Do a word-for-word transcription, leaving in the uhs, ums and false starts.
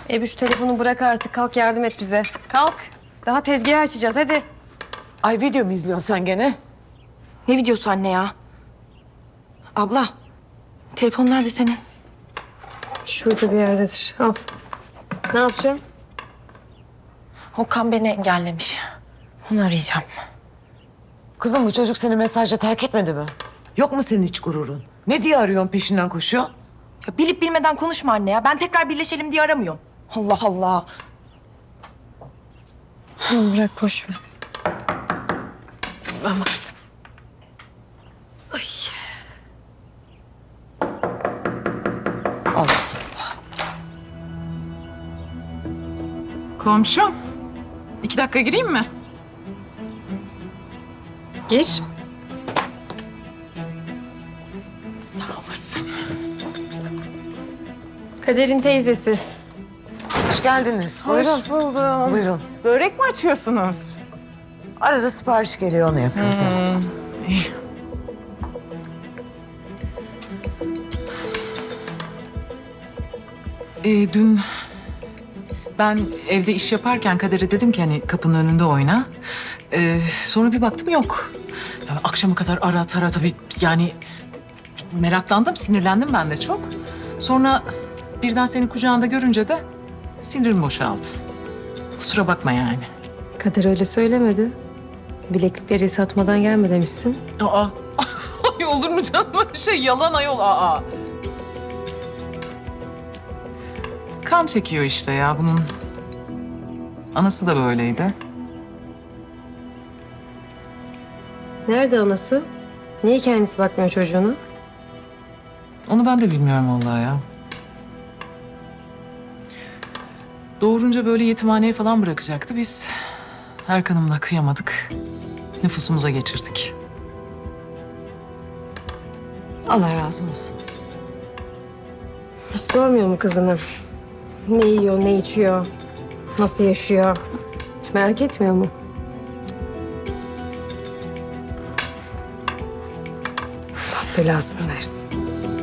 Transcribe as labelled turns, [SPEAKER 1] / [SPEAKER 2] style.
[SPEAKER 1] Ebu şu telefonu bırak artık. Kalk yardım et bize. Kalk. Daha tezgahı açacağız hadi.
[SPEAKER 2] Ay video mu izliyorsun sen gene?
[SPEAKER 3] Ne videosu anne ya? Abla, telefon nerede senin?
[SPEAKER 1] Şurada bir yerdedir. Al. Ne yapacaksın?
[SPEAKER 3] Okan beni engellemiş. Onu arayacağım.
[SPEAKER 2] Kızım bu çocuk seni mesajla terk etmedi mi? Yok mu senin hiç gururun? Ne diye arıyorsun peşinden koşuyor?
[SPEAKER 3] Ya bilip bilmeden konuşma anne ya. Ben tekrar birleşelim diye aramıyorum. Allah Allah.
[SPEAKER 1] Tamam bırak boş ver.
[SPEAKER 2] Ben baktım.
[SPEAKER 1] Ay.
[SPEAKER 2] Al.
[SPEAKER 4] Komşum, iki dakika gireyim mi?
[SPEAKER 1] Gir.
[SPEAKER 4] Sağ olasın.
[SPEAKER 1] Kader'in teyzesi.
[SPEAKER 2] Hoş geldiniz. Buyurun.
[SPEAKER 4] Hoş buldum.
[SPEAKER 2] Buyurun.
[SPEAKER 4] Börek mi açıyorsunuz?
[SPEAKER 2] Arada sipariş geliyor onu yapıyoruz evet.
[SPEAKER 4] İyi. Ee, dün ben evde iş yaparken Kader'e dedim ki hani kapının önünde oyna. Ee, sonra bir baktım yok. Ya akşama kadar ara tara tabii yani meraklandım, sinirlendim ben de çok. Sonra birden seni kucağında görünce de sinirim boşaldı. Kusura bakma yani.
[SPEAKER 1] Kader öyle söylemedi. Bileklikleri satmadan gelme demişsin.
[SPEAKER 4] Aa, ay olur mu canım öyle şey? Yalan ayol, aa. Kan çekiyor işte ya bunun. Anası da böyleydi.
[SPEAKER 1] Nerede anası? Niye kendisi bakmıyor çocuğuna?
[SPEAKER 4] Onu ben de bilmiyorum vallahi ya. Doğurunca böyle yetimhaneye falan bırakacaktı. Biz Erkan'ımla kıyamadık. Nüfusumuza geçirdik.
[SPEAKER 2] Allah razı olsun.
[SPEAKER 1] Hiç sormuyor mu kızını? Ne yiyor, ne içiyor, nasıl yaşıyor? Hiç merak etmiyor mu? Allah belasını versin.